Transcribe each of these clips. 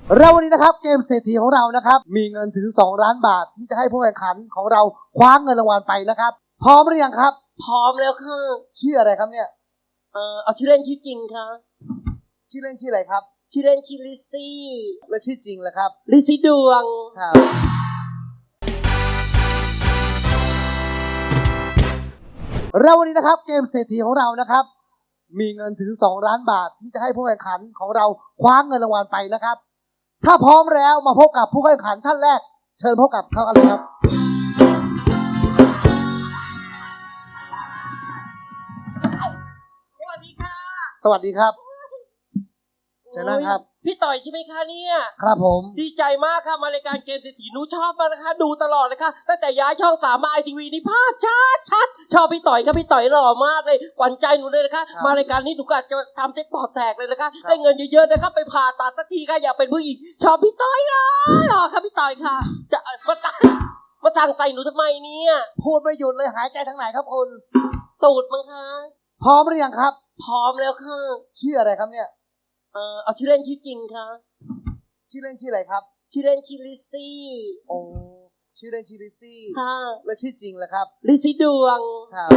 แล้ววันนี้นะครับเกมเศรษฐีของเรานะครับมีเงินถึง2 ล้านบาทที่จะให้ผู้แข่งขันของเราคว้าเงินรางวัลไปนะครับพร้อมหรือยังครับพร้อมแล้วค่ะชื่ออะไรครับเนี่ยเอาชื่อเล่นชื่อจริงค่ะชื่อเล่นชื่ออะไรครับชื่อเล่นชื่อลิซซี่และชื่อจริงล่ะครับลิซซี่ดวงครับแล้ววันนี้นะครับเกมเศรษฐีของเรานะครับมีเงินถึง2 ล้านบาทที่จะให้ผู้แข่งขันของเราคว้าเงินรางวัลไปนะครับถ้าพร้อมแล้วมาพบกับผู้แข่งขันท่านแรกเชิญพบกับเขากันเลยครับสวัสดีค่ะสวัสดีครับเชิญนั่งครับพี่ต่อยใช่ไหมคะเนี่ยครับผมดีใจมากค่ะมารายการเกมเศรษฐีหนูชอบมากนะคะดูตลอดเลยค่ะตั้งแต่ย้ายช่อง3มาITVนี่ภาพชัดชอบพี่ต่อยครับพี่ต่อยหล่อมากเลยหวั่นใจหนูเลยนะคะมารายการนี้หนูก็จะทำเจ็คพอตแตกเลยนะคะได้เงินเยอะๆนะครับไปผ่าตัดสักทีค่ะอยากเป็นผู้หญิงชอบพี่ต่อยหล่อค่ะพี่ต่อยค่ะจะมาสั่งใส่หนูทำไมเนี่ยพูดไม่หยุดเลยหายใจทางไหนครับคุณตูดมั้งคะพร้อมหรือยังครับพร้อมแล้วค่ะชื่ออะไรครับเนี่ยเอาชื่อเล่นชื่อจริงค่ะชื่อเล่นชื่ออะไรครับชื่อเล่นชื่อลิซซี่โอ้ชื่อเล่นชื่อลิซซี่ค่ะและชื่อจริงล่ะครับลิซซี่ดวงครับ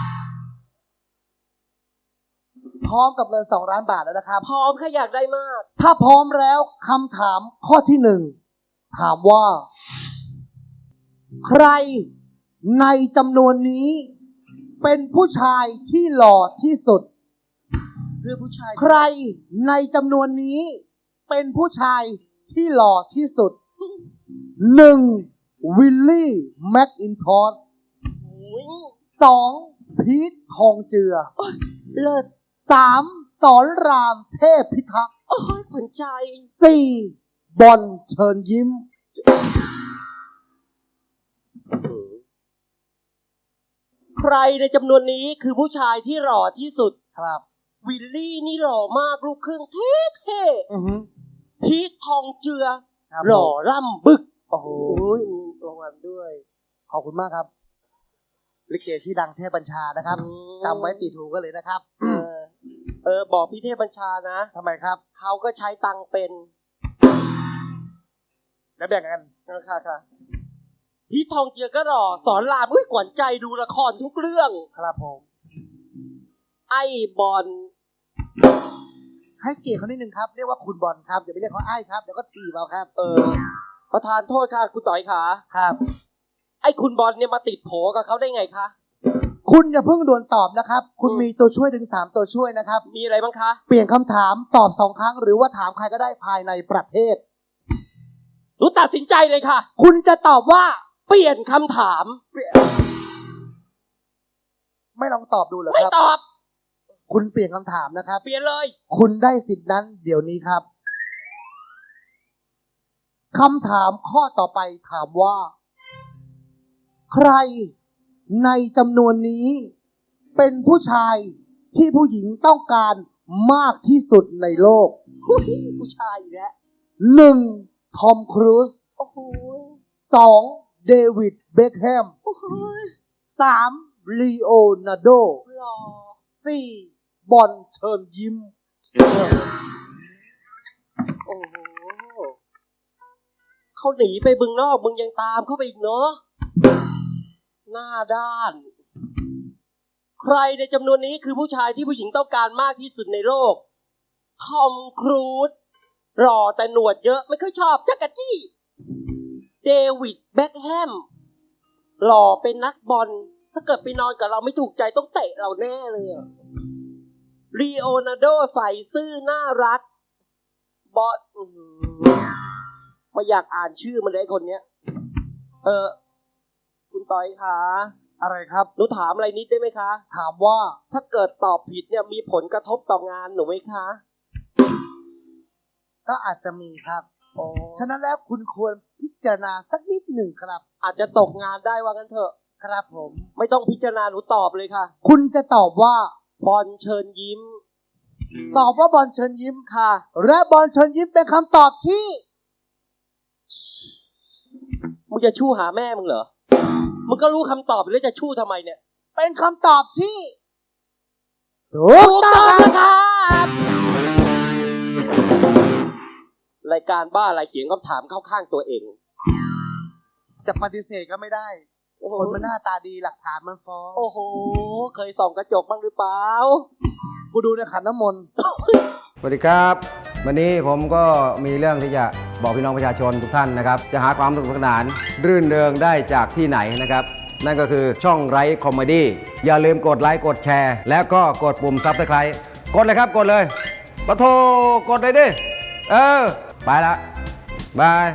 พร้อมกับเงิน2 ล้านบาทแล้วนะครับพร้อมค่ะอยากได้มากถ้าพร้อมแล้วคำถามข้อที่1ถามว่าใครในจำนวนนี้เป็นผู้ชายที่หล่อที่สุดเรื่องผู้ชายใครในจำนวนนี้เป็นผู้ชายที่หล่อที่สุด1. วิลลี่แม็กอินทอส2. พีททองเจือเลิศ 3. สอนรามเทพพิทักษ์โอ้ยขวัญใจ 4. บอลเชิญยิ้มใครในจำนวนนี้คือผู้ชายที่หล่อที่สุดครับวิลลี่นี่หล่อมากลูกครึ่งเท่ๆพีททองเจือหล่อร่ำบึกโอ้โหมีรางวัลด้วยขอบคุณมากครับลิเกชื่อดังเทพบัญชานะครับจำไว้ติดหูกันเลยนะครับบอกพี่เทพบัญชานะทำไมครับเขาก็ใช้ตังเป็นแล้วแบ่งกันค่ะพีททองเจือก็หล่อสอนรามขวัญใจดูละครทุกเรื่องครับผมไอ้บอลให้เกียรติเขานิดนึงครับเรียกว่าคุณบอลครับอย่าไปเรียกเขาไอ้ครับเดี๋ยวก็ถีบเอาครับประธานโทษค่ะคุณต่อยขาครับไอ้คุณบอลเนี่ยมาติดโผกับเขาได้ไงคะคุณอย่าเพิ่งด่วนตอบนะครับคุณมีตัวช่วยถึง3ตัวช่วยนะครับมีอะไรบ้างคะเปลี่ยนคำถามตอบ2 ครั้งหรือว่าถามใครก็ได้ภายในประเทศรู้ตัดสินใจเลยค่ะคุณจะตอบว่าเปลี่ยนคำถามไม่ลองตอบดูเหรอครับไม่ตอบคุณเปลี่ยนคำถามนะครับเปลี่ยนเลยคุณได้สิทธินั้นเดี๋ยวนี้ครับคำถามข้อต่อไปถามว่าใครในจำนวนนี้เป็นผู้ชายที่ผู้หญิงต้องการมากที่สุดในโลกผู้ชายอีกแล้ว 1. ทอมครูซ 2. เดวิดเบ็คแฮม 3. ลีโอนาร์โด 4. บอลเชิญยิ้มโอ้โหเขาหนีไปบึงนอกมึงยังตามเข้าไปอีกเนาะหน้าด้านใครในจำนวนนี้คือผู้ชายที่ผู้หญิงต้องการมากที่สุดในโลกทอมครูซหล่อแต่หนวดเยอะไม่ค่อยชอบจักรจี้เดวิดเบ็คแฮมหล่อเป็นนักบอลถ้าเกิดไปนอนกับเราไม่ถูกใจต้องเตะเราแน่เลยลีโอนาร์โดใส่ซื่อน่ารักบอสไม่อยากอ่านชื่อมันเลยคนเนี้ยคุณต้อยคะอะไรครับหนูถามอะไรนิดได้ไหมคะถามว่าถ้าเกิดตอบผิดเนี่ยมีผลกระทบต่องานหนูไหมคะก็อาจจะมีครับฉะนั้นแล้วคุณควรพิจารณาสักนิดหนึ่งครับอาจจะตกงานได้ว่างั้นเถอะครับผมไม่ต้องพิจารณาหนูตอบเลยค่ะคุณจะตอบว่าบอลเชิญยิ้มตอบว่าบอลเชิญยิ้มค่ะและบอลเชิญยิ้มเป็นคำตอบที่มึงจะชู้หาแม่มึงเหรอมึงก็รู้คำตอบแล้วจะชู้ทำไมเนี่ยเป็นคำตอบที่ถูกต้องนะครับรายการบ้าอะไรเขียนคำถามเข้าข้างตัวเองจะปฏิเสธก็ไม่ได้โอ้โหคนมันหน้าตาดีหลักฐานมันฟ้องโอ้โห เคยส่องกระจกบ้างหรือเปล่ากูดูในขันน้ำมนต์สวัสดีครับ วันนี้ผมก็มีเรื่องที่จะบอกพี่น้องประชาชนทุกท่านนะครับ จะหาความสนุกสนานรื่นเริงได้จากที่ไหนนะครับ นั่นก็คือช่องไร้คอมเมดี้อย่าลืมกดไลค์กดแชร์ แล้วก็กดปุ่มซับสไครต์กดเลยครับกดเลยปะโทกดเลยดิ ไปละบาย